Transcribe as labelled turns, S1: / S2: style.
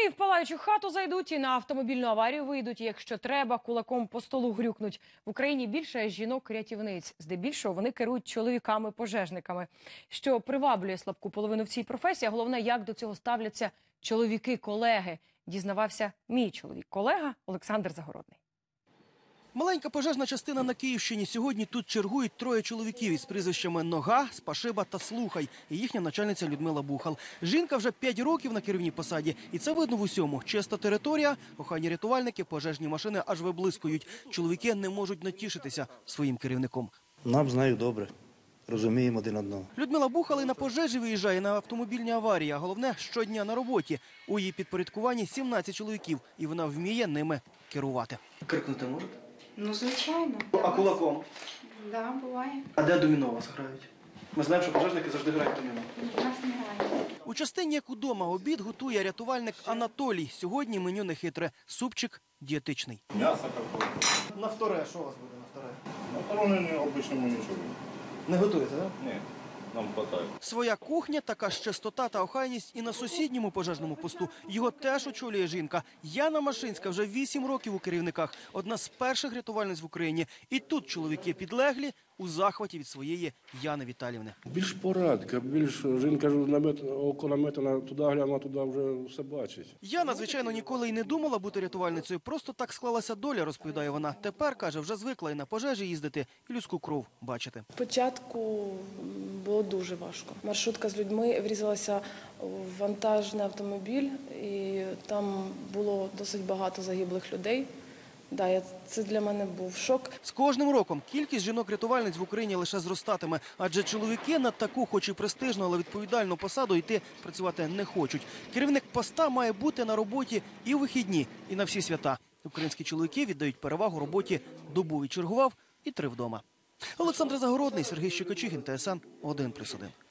S1: Вони і в палаючу хату зайдуть, і на автомобільну аварію вийдуть, і якщо треба, кулаком по столу грюкнуть. В Україні більше жінок-рятівниць. Здебільшого вони керують чоловіками-пожежниками. Що приваблює слабку половину в цій професії, а головне, як до цього ставляться чоловіки-колеги. Дізнавався мій чоловік-колега Олександр Загородний.
S2: Маленька пожежна частина на Київщині. Сьогодні тут чергують троє чоловіків із прізвищами Нога, Спашиба та Слухай. І їхня начальниця Людмила Бухал. Жінка вже 5 років на керівній посаді. І це видно в усьому. Чиста територія, охайні рятувальники, пожежні машини аж виблискують. Чоловіки не можуть натішитися своїм керівником.
S3: Нам знають добре. Розуміємо один одного.
S2: Людмила Бухал і на пожежі виїжджає на автомобільні аварії, а головне – щодня на роботі. У її підпорядкуванні 17 чоловіків, і вона вміє ними керувати. Крикнути можете?
S4: Ну, звичайно.
S2: А кулаком?
S4: Да, буває.
S2: А де доміно вас грають? Ми знаємо, що пожежники завжди грають доміно.
S4: Нас не грає.
S2: У частині, як удома, обід готує рятувальник Анатолій. Сьогодні меню нехитре. Супчик дієтичний.
S5: Мясо какое.
S2: На вторе, що у вас буде на вторе?
S5: На втором обычному ничего.
S2: Не готуєте, так?
S5: Нет, нам хватает.
S2: Своя кухня, така ж чистота та охайність і на сусідньому пожежному посту. Його теж очолює жінка. Яна Машинська вже 8 років у керівниках. Одна з перших рятувальниць в Україні. І тут чоловіки підлеглі у захваті від своєї Яни Віталіївни.
S6: Більш порадка, більш жінка ж око наметана, туди глянула, туди вже все бачить.
S2: Яна, звичайно, ніколи й не думала бути рятувальницею. Просто так склалася доля, розповідає вона. Тепер, каже, вже звикла і на пожежі їздити, і людську кров бачити.
S7: Спочатку було дуже важко. Маршрутка з людьми врізалася в вантажний автомобіль, і там було досить багато загиблих людей. Це для мене був шок.
S2: З кожним роком кількість жінок-рятувальниць в Україні лише зростатиме. Адже чоловіки на таку, хоч і престижну, але відповідальну посаду йти працювати не хочуть. Керівник поста має бути на роботі і у вихідні, і на всі свята. Українські чоловіки віддають перевагу роботі добу відчергував і 3 вдома. Олександр Загородний, Сергій Щекочихін, ТСН 1+1.